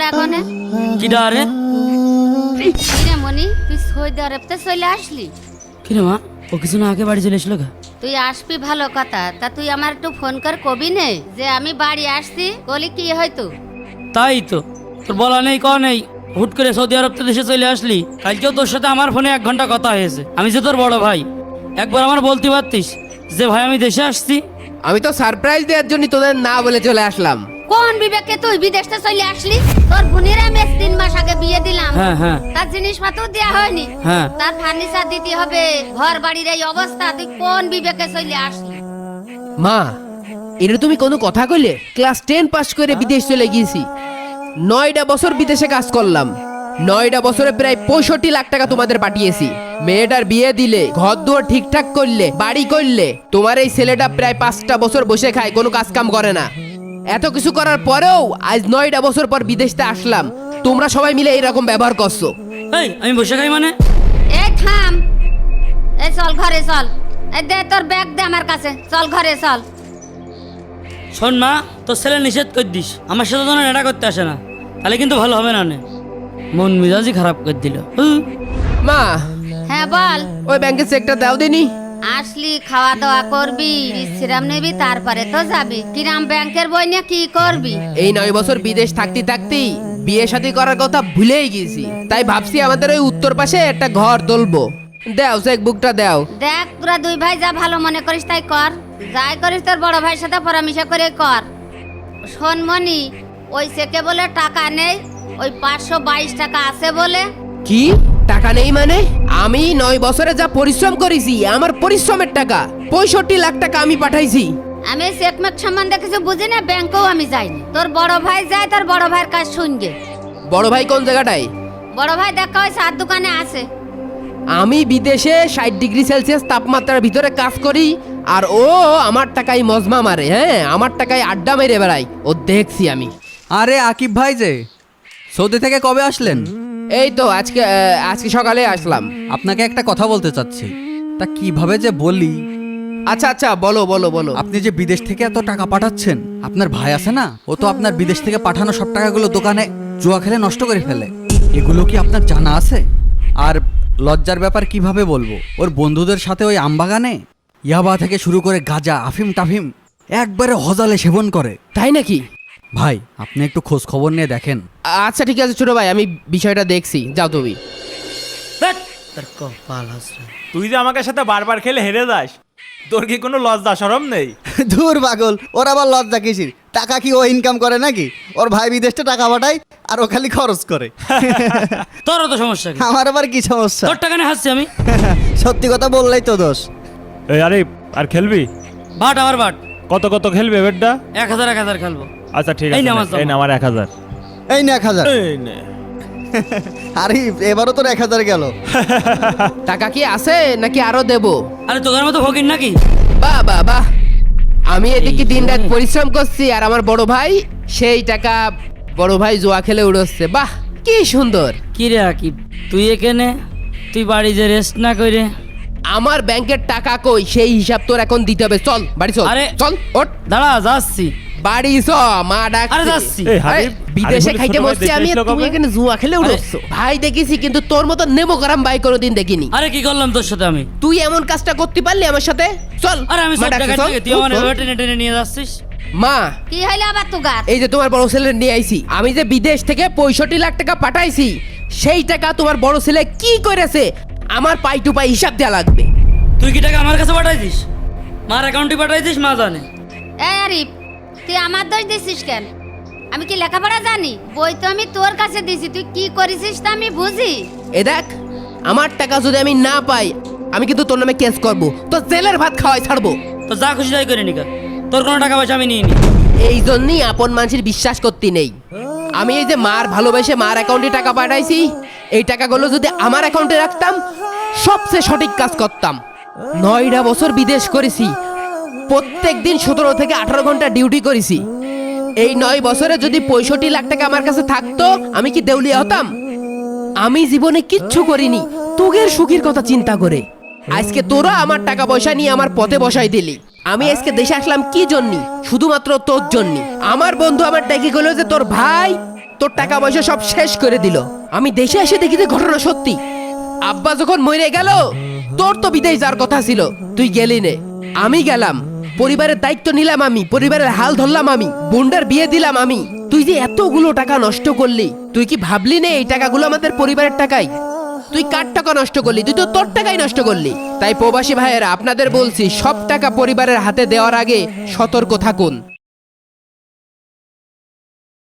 এখানে কি ডারে কিরে মনি তুই সৌদি আরবতে চলে আসলি? কিরে মা ও কিছু না আগে বাড়ি চলে এসলো গা? তুই আসবি ভালো কথা, তা তুই আমার একটু ফোন কর কবি নে যে আমি বাড়ি আসছি, বলি কি হয়তো। তাই তো তোর বলা নেই ক নেই, হুট করে সৌদি আরব তো দেশে চলে আসলি। কালকেও তোর সাথে আমার ফোনে 1 ঘন্টা কথা হয়েছে। আমি যে তোর বড় ভাই, একবার আমার বলতে পারতিস যে ভাই আমি দেশে আসছি। আমি তো সারপ্রাইজ দেওয়ার জন্য তোদের না বলে চলে আসলাম। কোন বিবেকে তুই বিদেশে চলে আসলি? তোর বোনের আমি 3 মাস আগে বিয়ে দিলাম, হ্যাঁ হ্যাঁ তার জিনিসপত্র দেওয়া হয়নি, হ্যাঁ তার ফার্নিচার দিতে হবে, ঘর বাড়ির এই অবস্থা, তুই কোন বিবেকে চলে আসলি? মা, এটা তুমি কোনো কথা কইলে? ক্লাস 10 পাস করে বিদেশ চলে গিয়েছি, 9টা বছর বিদেশে কাজ করলাম, 9টা বছরে প্রায় 65 লাখ টাকা তোমাদের পাঠিয়েছি। মেয়েটার বিয়ে দিলে, ঘর দুয়ার ঠিকঠাক করলে, বাড়ি করলে, তোমার এই ছেলেটা প্রায় 5টা বছর বসে খায়, কোনো কাজ কাম করে না। এত কিছু করার পরেও আজ 9টা বছর পর বিদেশতে আসলাম, তোমরা সবাই মিলে এইরকম ব্যবহার করছো। এই আমি বসে খাই মানে? এই থাম, এই চল ঘরে চল, এই দে তোর ব্যাগ দে আমার কাছে, চল ঘরে চল। শোন মা, তোর ছেলে নিষেধ করে দিস আমার সাথে যেন এটা করতে আসে না, তাহলে কিন্তু ভালো হবে না। মন মেজাজই খারাপ করে দিল। মা, হ্যাঁ বল। ওই ব্যাংকের চেকটা দাও দিনি। আসলি খাওয়া দাওয়া করবি, বিশ্রাম নিবি, তারপরে তো যাবি। কিরাম ব্যাংকের বই নিয়ে কি করবি? এই 9 বছর বিদেশ থাকতে থাকতেই বিয়ে শাদী করার কথা ভুলেই গেছি, তাই ভাবছি আমাদের ওই উত্তর পাশে একটা ঘর তুলবো। দাও চেক বুকটা দাও। দেখ তোরা 2 ভাই যা ভালো মনে করিস তাই কর, যাই করিস তোর বড় ভাইয়ের সাথে পরামর্শ করে কর। শোন মনি, ওই চেকে বলে টাকা নেই, ওই 522 টাকা আছে বলে। কি টাকা নেই মানে? আমি 9 বছরে যা পরিশ্রম করেছি, আমার পরিশ্রমের টাকা 65 লাখ টাকা আমি পাঠাইছি। আমি চেকমেক সম্বন্ধে কিছু বুঝি না, ব্যাংকেও আমি যাইনি। তোর বড় ভাই যায়, তোর বড় ভাইয়ের কাজ শুনবে। বড় ভাই কোন জায়গাটায়? বড় ভাই দেখা ওই 7 দোকানে আছে। আমি বিদেশে 60 ডিগ্রি সেলসিয়াস তাপমাত্রার ভিতরে কাজ করি, আর ও আমার টাকায় মজমা মারে। হ্যাঁ, আমার টাকায় আড্ডা মেরে বেড়াই, ও দেখছি আমি। আরে আকিব ভাই যে সৌদি থেকে কবে আসলেন? এই তো আজকে সকালে আসলাম। আপনাকে একটা কথা বলতে চাচ্ছি, তা কিভাবে যে বলি। আচ্ছা আচ্ছা, বলো বলো বলো। আপনি যে বিদেশ থেকে এত টাকা পাঠাচ্ছেন, আপনার ভাই আছে না, ও তো আপনার বিদেশ থেকে পাঠানো সব টাকাগুলো দোকানে জুয়া খেলে নষ্ট করে ফেলে। এগুলো কি আপনার জানা আছে? আর লজ্জার ব্যাপার কিভাবে বলবো, ওর বন্ধুদের সাথে ওই আমবাগানে ইয়াবা থেকে শুরু করে গাঁজা, আফিম টাফিম একবারে হজালে সেবন করে। তাই নাকি? ভাই আপনি একটু খোঁজ খবর নিয়ে দেখেন। আচ্ছা ঠিক আছে ছোট ভাই, আমি বিষয়টা দেখছি, যাও তুমি। ধ্যাৎ, তোর কপাল হাসরে। তুই যে আমাকে সাথে বারবার খেলে হেরে যাস, তোর কি কোনো লজ্জা শরম নেই? ধুর পাগল, ওর আবার লজ্জা কিসির? টাকা কি ও ইনকাম করে নাকি? ওর ভাই বিদেশে টাকা পাঠায় আর ও খালি খরচ করে। তোরও তো সমস্যা কি? আমার আবার কি সমস্যা? তোর টাকা নিয়ে হাসছি আমি। সত্যি কথা বললেই তো দোষ। এই আরে আর খেলবি? বাট আমার বাট। কত কত খেলবি বেডটা? 1000 খেলবো। আচ্ছা ঠিক এই আছে, নে আমার এই না আমার 1000। এই না 1000। এই নে। আরে এবারও তোর 1000 গেল। টাকা কি আছে নাকি আরো দেবো? আরে তোদের মতো ফকির নাকি? বাহ বাহ বাহ, আমি এদিকে দিন রাত পরিশ্রম করছি, আর আমার বড় ভাই সেই টাকা বড় ভাই জুয়া খেলে উড়োচ্ছে। বাহ কি সুন্দর। কি রে আকিব, তুই এখানে, তুই বাড়ি যে রেস্ট না করে? আমার ব্যাংকের টাকা কই, সেই হিসাব তোর এখন দিতে হবে। চল বাড়ি চল। আরে চল ওঠ, দাঁড়া যাচ্ছি। বাড়ি চ, মা ডাকছে। আরে যাচ্ছি। এই আরে, হাবিব, বিদেশে আরে খাইতে ছোট ভাই বসছি দেশে আমি, এসলো তুমি কবে? এখানে জুয়া খেলে উড়োচ্ছ। ভাই দেখেছি, কিন্তু তোর মতো নেমো গরম ভাই কোনোদিন দেখিনি। আরে কি করলাম তোর সাথে আমি? তুই এমন কাজটা করতে পারলি আমার সাথে? চল। আরে আমি মা সব ডাকছে, টাকা চল। থেকে তুই আমার এভাবে টেনে টেনে নিয়ে যাচ্ছিস। মা, কি হইলো আবার তুগার? এই যে তোমার বড় ছেলে নিয়ে আইছি, আমি যে বিদেশ থেকে 65 লাখ টাকা পাঠাইছি, সেই টাকা তোমার বড় ছেলে কি করেছে আমার পাই টু পাই হিসাব দেওয়া লাগবে। তুই কি টাকা আমার কাছে পাঠাইছিস? মার অ্যাকাউন্টে পাঠাইছিস, মা জানে। এই আরিফ, তুই আমার দোষ দিছিস কেন? আমি কি লেখাপড়া জানি? বই তো আমি তোর কাছে দিছি, তুই কি করেছিস তা আমি বুঝি। এ দেখ, আমার টাকা যদি আমি না পাই, আমি কিন্তু তোর নামে কেস করব, তো জেলের ভাত খাওয়াই ছাড়বো। তো যা খুশি তাই করে নিকা, তোর কোনো টাকা পয়সা আমি নিয়ে নি। এই জন্যই আপন মানুষের বিশ্বাস করতে নেই। আমি এই যে মার ভালোবেসে মার অ্যাকাউন্টে টাকা পাঠাইছি, এই টাকাগুলো যদি আমার অ্যাকাউন্টে রাখতাম, সবচেয়ে সঠিক কাজ করতাম। 9টা বছর বিদেশ করেছি, প্রত্যেক দিন 17 থেকে 18 ঘন্টা ডিউটি করেছি। এই 9 বছরে যদি 65 লাখ টাকা আমার কাছে থাকতো, আমি কি দেউলিয়া হতাম? আমি জীবনে কিচ্ছু করিনি তোদের সুখের কথা চিন্তা করে। আজকে তোরা আমার টাকা পয়সা নিয়ে আমার পথে বসাই দিলি। আমি আজকে দেশে আসলাম কি জন্য? শুধুমাত্র তোর জন্য। আমার বন্ধু আমার ডেকে গেল যে তোর ভাই তোর টাকা পয়সা সব শেষ করে দিল। আমি দেশে এসে দেখি যে ঘটনা সত্যি। আব্বা যখন মরে গেল তোর তো বিদেশ যাওয়ার কথা ছিল, তুই গেলি নে। আমি গেলাম, পরিবারের দায়িত্ব নিলাম আমি, পরিবারের হাল ধরলাম আমি, বোনটার বিয়ে দিলাম আমি। তুই যে এতগুলো টাকা নষ্ট করলি, তুই কি ভাবলি না এই টাকাগুলো আমাদের পরিবারের টাকাই? তুই কার টাকা নষ্ট করলি? তুই তো তোর টাকাই নষ্ট করলি। তাই প্রবাসী ভাইয়েরা আপনাদের বলছি, সব টাকা পরিবারের হাতে দেওয়ার আগে সতর্ক থাকুন।